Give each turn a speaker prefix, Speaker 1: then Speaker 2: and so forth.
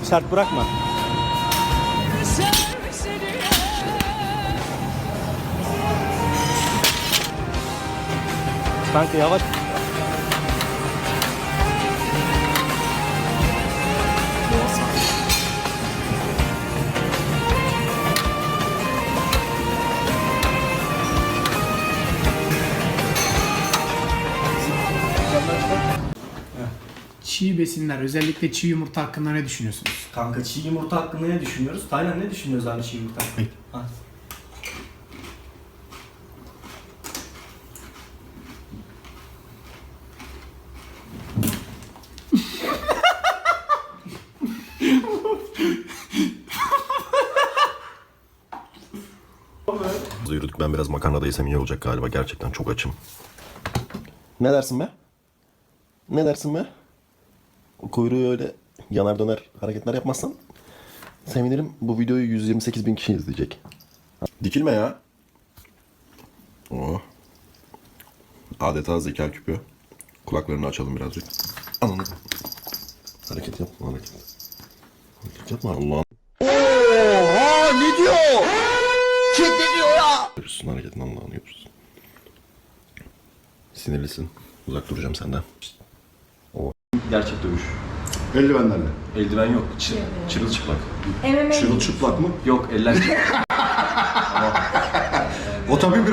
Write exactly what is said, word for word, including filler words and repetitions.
Speaker 1: Sert bırakma. Kanka yavaş.
Speaker 2: Çiğ besinler, özellikle çiğ yumurta hakkında ne düşünüyorsunuz?
Speaker 1: Kanka çiğ yumurta hakkında ne düşünüyoruz? Taylan ne düşünüyoruz abi çiğ yumurta hakkında? Ha.
Speaker 3: Yürüdük. Ben biraz makarna da yesem iyi olacak galiba. Gerçekten çok açım. Ne dersin be? Ne dersin be? O kuyruğu öyle yanar döner hareketler yapmazsan sevinirim. Bu videoyu yüz yirmi sekiz bin kişi izleyecek. Dikilme ya. Oh. Adeta zeka küpü. Kulaklarını açalım birazcık. Ananı. Hareket yapma hareket. Hareket yapma Allah'ım.
Speaker 4: Oha ne diyor? Kim diyor ya?
Speaker 3: Görürsün hareketin Allah'ını görürsün. Sinirlisin. Uzak duracağım senden.
Speaker 5: Gerçek dövüş.
Speaker 4: Eldivenlerle.
Speaker 5: Eldiven yok. Çı çırılçıplak.
Speaker 4: Çırılçıplak mı?
Speaker 5: Yok eller.
Speaker 4: O tabii bir